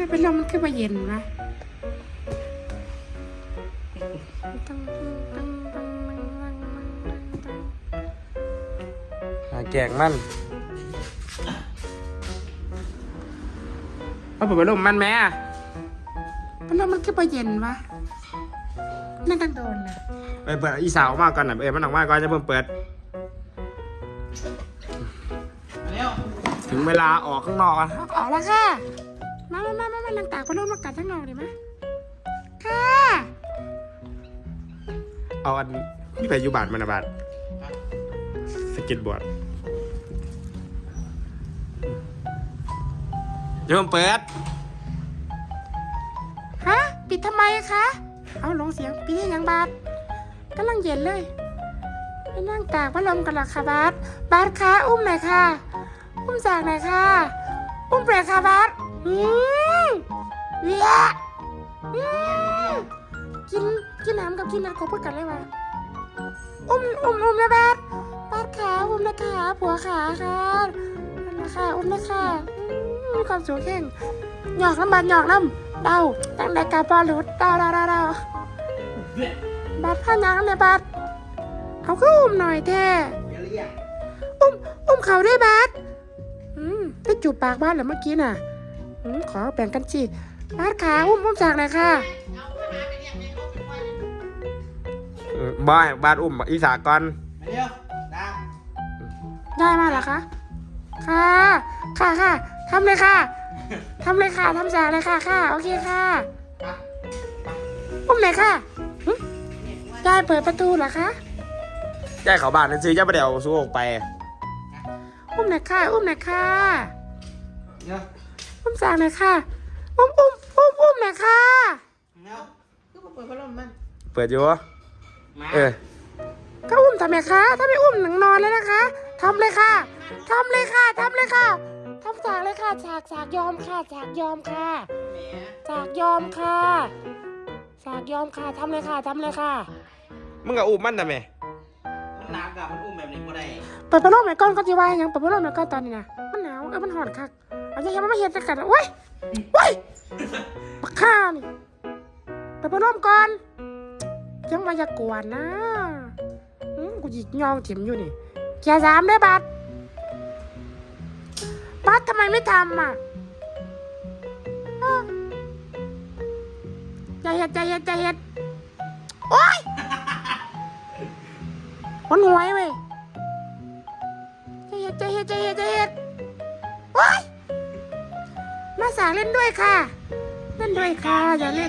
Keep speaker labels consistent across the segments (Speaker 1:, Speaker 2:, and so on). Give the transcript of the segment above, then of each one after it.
Speaker 1: เป็นลมมันขึ้นมาเย็นวะ
Speaker 2: แกงมันเอาเปิดลมมันแม่
Speaker 1: เป็นลมมันขึ้นมาเย็นวะนั่นตั้งโดนนะ
Speaker 2: ไปเปิดอีสาวมากก่อนนะมันออกมาก่อนจะเพิ่มเปิดถึงเวลาออกข้างนอกแล้ว
Speaker 1: ออกแล้วค่ะมานั่งตากเป็นลมมากัดทั้งนอกดิมะค่ะ
Speaker 2: เอาอันนี่ไปอยู่บาทมันนะบาทสเก็ตบอร์ดจะเพิ่มเปิด
Speaker 1: ฮะปิดทำไมคะเอาลงเสียงปิดให้ยังบาสกำลังเย็นเลยไปนั่งตากพัดลมกันหรอคะบาสคะอุ้มหน่อยค่ะอุ้มจากหน่อยค่ะอุ้มเปรค่ะบาสเวียกินน้ำกับกินน้ำเขาพูดกันเลยวะอุ้มนะบาสขาอุ้มนะคะผัวขาค่ะอุ้มนะคะอุ้มนะคะมีความสูงแข่งหยอกน้ำบาสหยอกน้ำเดาตั้งแต่กาปอลุดเดาบาสผ้ายังเนี่ยบาสเอาก็อุ้มหน่อยแท้อุ้มเขาด้วยบาสได้จูบปากบาสเหรอเมื่อกี้น่ะขอแบ่งกันสิบาสขาอุ้มจากไหนค่ะ
Speaker 2: บอยบาทอุ้มอีสาก่อน
Speaker 1: ได้มาเหรอคะค่ะทำเลยค่ะทำจากเลยค่ะโอเคค่ะอุ้มไหนค่ะยายเปิดประตูเหรอคะ
Speaker 2: ย่ายเขาบ้านนั่นซื้อย่าไปเดี๋ยวสู้ออกไป
Speaker 1: อุ้มไหนค่ะอุ้มจากไหนค่ะอุ้มไหนค่ะ
Speaker 2: เปิดอยู่
Speaker 1: ก็อุ้มทำไมคะถ้าไม่อุ้มหนังนอนเลยนะคะทำเลยค่ะทำจากเลยค่ะจากยอมค่ะทำเลยค่ะ
Speaker 2: มึงกับอุ้มมันทำไม
Speaker 3: มันหนักอะมันอุ้มแบบนี้ก็ได้
Speaker 1: เปิดพัดลมหน่อยก้อนก็จะว่ายังเปิดพัดลมหน่อยก้อนตอนนี้นะมันหนาวมันหอนคักเอาใจยังไม่เห็นกันโอ้ยปักข้านี่เปิดพัดลมก่อนยังมายากวนนะกูหยิกยองเถียมอยู่นี่แกสามได้บัตรทำไมไม่ทำอ่ะใจเย็ดโอ๊ยมันหวยเว้ยใจเย็ดโอ๊ยมาสาเล่นด้วยค่ะอย่าเล่น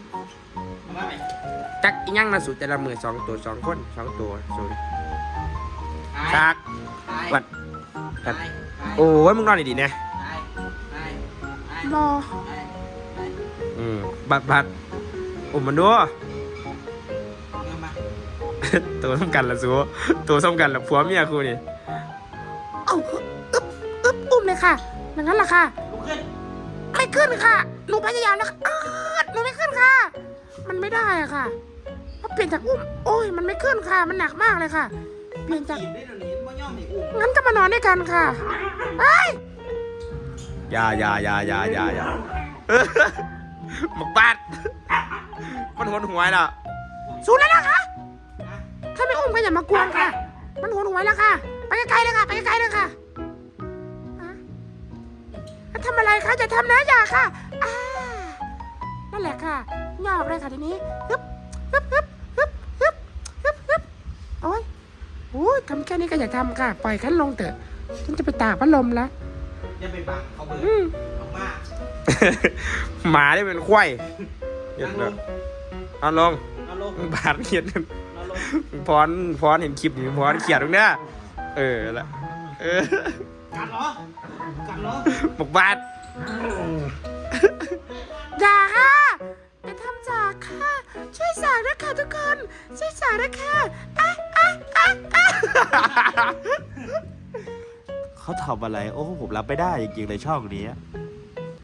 Speaker 2: จักอีหยังมาสู่แต่ละมือ2 ตัว 2 คน2 ตัวศูนย์จักวัดโอ้ยมึงนอนดีๆเนี่ย
Speaker 1: บอ
Speaker 2: บัดอุ้มมันดูตัวสำคัญละสู้ตัวสำคัญละผัวเมียกูนี่
Speaker 1: เอาอุ้มเลยค่ะอย่างนั้นแหละค่ะไม่ขึ้นค่ะหนูพยายามแล้วหนูไม่ขึ้นค่ะมันไม่ได้อะค่ะเพราะเปลี่ยนจากอุ้มโอ้ยมันไม่ขึ้นค่ะมันหนักมากเลยค่ะเปลี่ยนจากงั้นก็มานอนด้วยกันค่ะเฮ้ย
Speaker 2: อย่าหมกบาดมันหวนหวยแล้ว
Speaker 1: สู้แล้วนะคะถ้าไม่อุ้มก็อย่ามากวนค่ะมันหวนหวยแล้วค่ะไปไกลๆเลยค่ะทำอะไรคะจะทำนะอย่าค่ะนั่นแหละค่ะหยอกเลยค่ะทีนี้ฮึบโอ้ยทำแค่นี้ก็อย่าทำค่ะปล่อยขั้นลงเถอะฉันจะไปตากพัดลมแล้ว
Speaker 3: อย่าไปบังเขาเบื่อเอามาก
Speaker 2: หมาได้เป็นควายเห็นเลยเอาลงบาดเขียดพรเห็นคลิปอยู่พรเขียดตรงเนี้ยละ
Speaker 3: กันเหรอ
Speaker 2: หมกบาด
Speaker 1: อย่าค่ะจะทำจากค่ะช่วยสากด้วยค่ะทุกคนช่วยสากด้วยค่ะ
Speaker 2: เขาทำอะไรโอ้ผมรับไม่ได้จริงๆเลยช่องนี้